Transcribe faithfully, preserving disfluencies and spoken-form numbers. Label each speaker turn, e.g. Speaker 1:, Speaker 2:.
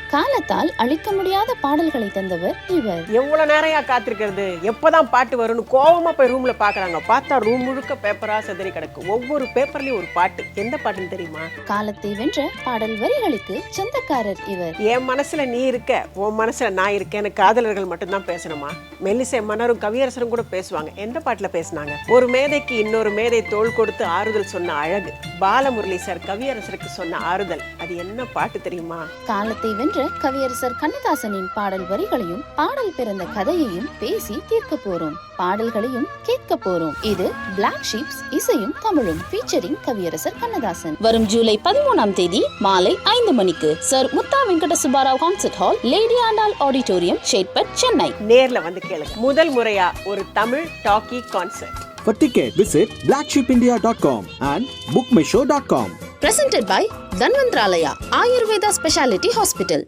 Speaker 1: காலத்தால் அழிக்க முடியாத பாடல்களை தந்தவர் இவர்.
Speaker 2: எவ்வளவு நேரம் காத்திருக்கிறது, எப்பதான் பாட்டு வரும்னு கோவமா போய் ரூம்ல பாக்குறாங்க. பார்த்தா ரூம் முழுக்க பேப்பரா செதறி கிடக்கு. ஒவ்வொரு பேப்பர்லயும் ஒரு பாட்டு. எந்த பாட்டுன்னு தெரியுமா?
Speaker 1: காலத்தை வென்ற பாடல் வரிகளுக்கு சொந்தக்காரர் இவர்.
Speaker 2: என் மனசுல நீ இருக்க, உன் மனசுல நான் இருக்கேன்னு காதலர்கள் மட்டும்தான் பேசணுமா? மெல்லிசை மன்னரும் கவியரசரும் கூட பேசுவாங்க. எந்த பாட்டுல பேசினாங்க? ஒரு மேதைக்கு இன்னொரு மேதை தோள் கொடுத்து ஆறுதல் சொன்ன அழகு. பாலமுரளி சார் கவியரசருக்கு சொன்ன ஆறுதல். அது என்ன பாட்டு தெரியுமா?
Speaker 1: காலத்தை வென்ற கவியரசர் கண்ணதாசனின் பாடல் வரிகளையும் பாடல் பிறந்த கதையையும் பேசி தீர்க்க போறோம். பாடல்களையும் கேட்க போறோம். இது பிளாக் ஷீப்ஸ் இசையும் தமிழும் ஃபீச்சரிங் கவியரசர் கண்ணதாசன். வரும் ஜூலை பதிமூணாம் தேதி மாலை ஐந்து மணிக்கு sir Mutha Venkata Subbarao concert hall, lady Andal auditorium, Chetpet, Chennai.
Speaker 2: நேர்ல வந்து கேளுங்க. முதல் முறையா ஒரு Tamil talkie concert.
Speaker 3: For ticket, visit black sheep india dot com and book my show dot com.
Speaker 1: Presented by Dhanvantralaya Ayurveda Speciality Hospital.